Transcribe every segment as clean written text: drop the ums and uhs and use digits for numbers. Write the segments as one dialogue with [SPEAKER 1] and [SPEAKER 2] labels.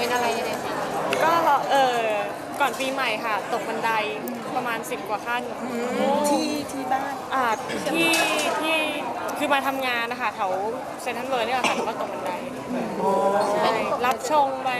[SPEAKER 1] เป็นอะไรยังไงคะ
[SPEAKER 2] ก็ก่อนปีใหม่ค่ะตกบันไดประมาณ10 กว่าขั้น
[SPEAKER 3] ที่บ้าน
[SPEAKER 2] ที่ที่คือมาทำงานนะคะแถวเซ็นทรัลเวิลด์เนี่ยค่ะแล้วก็ตกบันไดใช่รับชงไป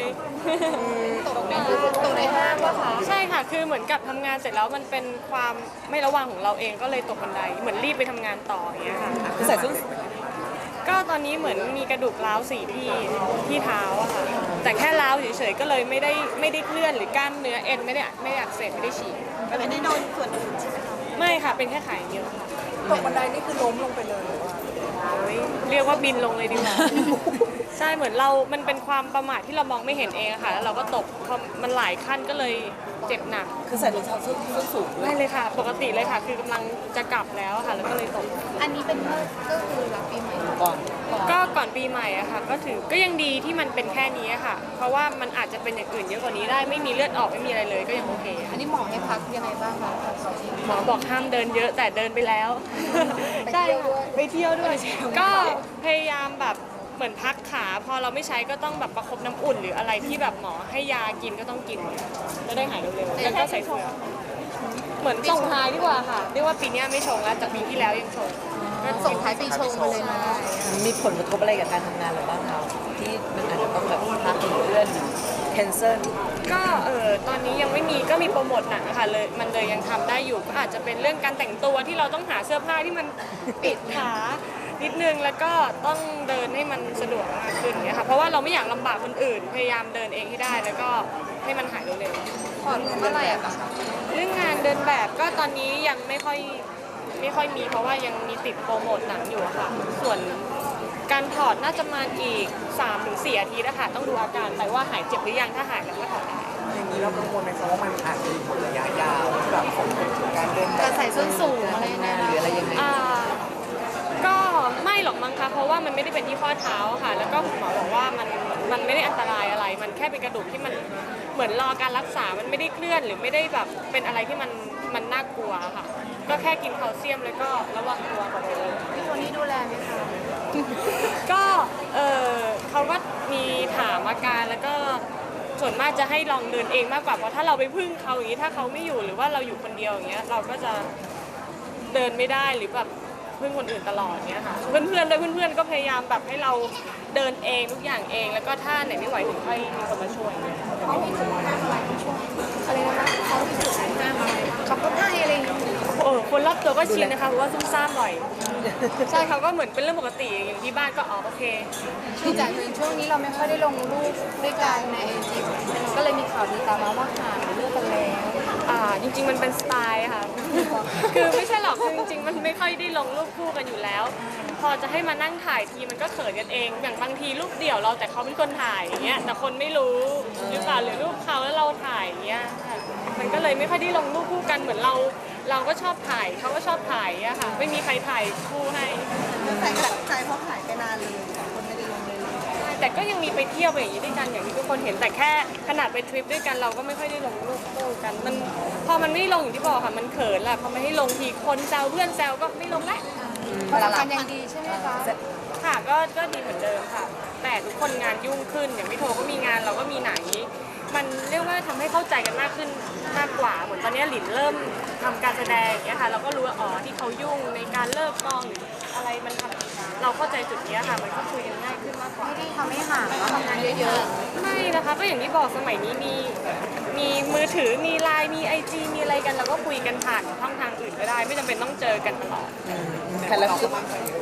[SPEAKER 1] ตกในห้างวะคะ
[SPEAKER 2] ใช่ค่ะคือเหมือนกับทำงานเสร็จแล้วมันเป็นความไม่ระวังของเราเองก็เลยตกบันไดเหมือนรีบไปทำงานต่ออย่างเงี้ยค่ะ
[SPEAKER 3] ใส่ส้น
[SPEAKER 2] ก็ตอนนี้เหมือนมีกระดูกร้าวที่เท้าอะค่ะแต่แค่ร้าวเฉยๆก็เลยไม่ได้เคลื่อนหรือกล้ามเนื้อเอ็นไม่ได้อักเสบไม่ได้ฉีก
[SPEAKER 3] ก็เลยไม่โดนส่วนอื่นใช่ไหมคะ
[SPEAKER 2] ไม่ค่ะเป็นแค่ขาอย่างเดียวค่ะ
[SPEAKER 3] ตกบันไดนี่คือล้มลงไปเลยหรือว่า
[SPEAKER 2] เรียกว่าบินลงเลยดีกว่าใช่เหมือนมันเป็นความประมาทที่เรามองไม่เห็นเองค่ะแล้วเราก็ตกพอมันหลายขั้นก็เลยเจ็บหนัก
[SPEAKER 3] คือใส่รองเท้าส้นสูง
[SPEAKER 2] ไม่เลยค่ะปกติเลยค่ะคือกำลังจะกลับแล้วค่ะแล้วก็เลยตก
[SPEAKER 1] อันนี้เป็นก็คือรับปีใหม่
[SPEAKER 3] ก่อน
[SPEAKER 2] ก็ก่อนปีใหม่อะค่ะก็ยังดีที่มันเป็นแค่นี้ค่ะเพราะว่ามันอาจจะเป็นอย่างอื่นเยอะกว่านี้ได้ไม่มีเลือดออกไม่มีอะไรเลยก็ยังโอเค
[SPEAKER 1] อันนี้หมอให้พักยังไงบ้างคะ
[SPEAKER 2] หมอบอกห้ามเดินเยอะแต่เดินไปแล้ว
[SPEAKER 1] ใช่
[SPEAKER 2] ไปเที่ยวด้วยก็พยายามแบบเหมือนพักขาพอเราไม่ใช้ก็ต้องแบบประคบน้ำอุ่นหรืออะไรที่แบบหมอให้ยากินก็ต้องกินจะได้หายเร็วๆแล้วก็ใส่เสื้อเหมือนส่งท้ายดีกว่าค่ะเรียกว่าปีนี้ไม่ชงแล้วจากปีที่แล้วยังชง
[SPEAKER 1] ก็ส่งท้ายปีชงไปเลยนะ
[SPEAKER 3] มีผลกระทบอะไรกับการทำงานหรือบ้างคะที่มันอาจจะต้องแบบพักเลื่อนแคนเซิล
[SPEAKER 2] ก็ตอนนี้ยังไม่มีก็มีโปรโมทหนังค่ะเลยมันเลยยังทำได้อยู่ก็อาจจะเป็นเรื่องการแต่งตัวที่เราต้องหาเสื้อผ้าที่มันปิดขานิดนึงแล้วก็ต้องเดินให้มันสะดวกมากขึ้นเนี่ยค่ะเพราะว่าเราไม่อยากลำบากคนอื่นพยายามเดินเองให้ได้แล้วก็ให้มันหายเร็ว
[SPEAKER 1] ๆผ่อนเมื่อไหร่อะคะ
[SPEAKER 2] เรื่องงานเดินแบบก็ตอนนี้ยังไม่ค่อยมีเพราะว่ายังมีติดโปรโมทหนังอยู่ค่ะส่วนการถอดน่าจะมาอีก 3-4 อาทิตย์นะคะต้องดูอาการแต่ว่าหายเจ็บหรือยังถ้าหายแล้วก็ถอดได้
[SPEAKER 3] อย่างนี้เรากังวลไหมคะว่ามันอาจจะมีผลระยะยาวแบบของการเดินแบบ
[SPEAKER 1] การใส่ส้นสูงอะไรนะ
[SPEAKER 3] หรืออะไรยังไง
[SPEAKER 2] ก็ไม่หรอกมั้งคะเพราะว่ามันไม่ได้เป็นที่ข้อเท้าค่ะแล้วก็หมอบอกว่ามันไม่ได้อันตรายอะไรมันแค่เป็นกระดูกที่มันเหมือนรอการรักษามันไม่ได้เคลื่อนหรือไม่ได้แบบเป็นอะไรที่มันน่ากลัวค่ะก็แค่กินแคลเซียมแล้วก็ระวังตัวก่อนเลย
[SPEAKER 1] พี่คนนี้ดูแลไหมคะ
[SPEAKER 2] ก็เขาก็มีถามอาการแล้วก็ส่วนมากจะให้ลองเดินเองมากกว่าเพราะถ้าเราไปพึ่งเขาอย่างนี้ถ้าเขาไม่อยู่หรือว่าเราอยู่คนเดียวอย่างเงี้ยเราก็จะเดินไม่ได้หรือแบบพึ่งคนอื่นตลอดเนี้ยค่ะเพื่อนก็พยายามแบบให้เราเดินเองทุกอย่างเองแล้วก็ถ้าไหนไม่ไหวถึงค่อยมีคนมาช่วย
[SPEAKER 1] เขามีจุดห้ามอะไรช่วยอะไรนะคะเขามีจุดห้ามอะไรขับรถให้อะไรอย่างเงี้ย
[SPEAKER 2] คนรอบตัวก็ชินนะคะเพราะว่าซุ่มซ่ามบ่อยใช่เขาก็เหมือนเป็นเรื่องปกติอย่างที่บ้านก็โอเค
[SPEAKER 1] คือจากช่วงนี้เราไม่ค่อยได้ลงรูปด้วยกันในไอจีก็เลยมีข่าวดีตามมาว่าห่างหรือเลิกกันแล้ว
[SPEAKER 2] จริงๆมันเป็นสไตล์ค่ะคือไม่ใช่หรอกคือจริงๆมันไม่ค่อยได้ลงรูปคู่กันอยู่แล้วพอจะให้มานั่งถ่ายทีมันก็เขินกันเองอย่างบางทีรูปเดี่ยวเราแต่เขาเป็นคนถ่ายอย่างเงี้ยแต่คนไม่รู้หรือเปล่าหรือรูปเขาแล้วเราถ่ายอย่างเงี้ยมันก็เลยไม่ค่อยได้ลงรูปคู่กันเหมือนเราก็ชอบถ่ายเขาก็ชอบถ่ายอะค่ะไม่มีใครถ่ายคู่ให้
[SPEAKER 3] แฟนก็ตกใจเพราะหายไปนานเลยคนไม่ได้ลงเลย
[SPEAKER 2] แต่ก็ยังมีไปเที่ยวไปอย่างนี้ด้วยกันอย่างที่ทุกคนเห็นแต่แค่ขนาดไปทริปด้วยกันเราก็ไม่ค่อยได้ลงรูปคู่กันมันพอมันไม่ลงอย่างที่บอกค่ะมันเขินแหละพอไม่ให้ลงทีคนแซวเพื่อนแซวก็ไม่ลงแล้ว
[SPEAKER 1] ความสัมพันธ์ยังดีใช่ไหมคะ
[SPEAKER 2] ค่ะก็ดีเหมือนเดิมค่ะแต่ทุกคนงานยุ่งขึ้นอย่างพี่โทก็มีงานเราก็มีหนังมันเรียกว่าทำให้เข้าใจกันมากขึ้นมากกว่าเหมือนตอนนี้หลินเริ่มทำการแสดงอย่างเงี้ยค่ะเราก็รู้ว่าที่เขายุ่งในการเลิกกองหรืออะไรมันทำเราเข้าใจจุดนี้ค่ะมันก็คุยกันง่ายขึ้นมากกว่า
[SPEAKER 1] ไม่ได้ทำให้ห่างแล้วทำงานเยอะ
[SPEAKER 2] ๆไม่นะคะก็อย่างที่บอกสมัยนี้มีมือถือมีไลน์มีIGมีอะไรกันเราก็คุยกันผ่านช่องทางอื่นก็ได้ไม่จำเป็นต้องเจอกันตลอด
[SPEAKER 3] แต่เราคือ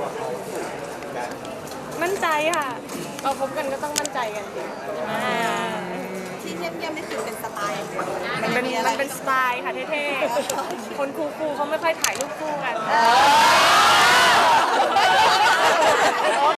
[SPEAKER 2] มั่นใจค่ะเราพบกันก็ต้องมั่นใจกัน
[SPEAKER 3] ที่เงียบๆนี่คือเป็นสไตล์
[SPEAKER 2] มันเป็นสไตล์ค่ะเท่ๆคนคูลๆเขาไม่ค่อยถ่ายรูปคู่กัน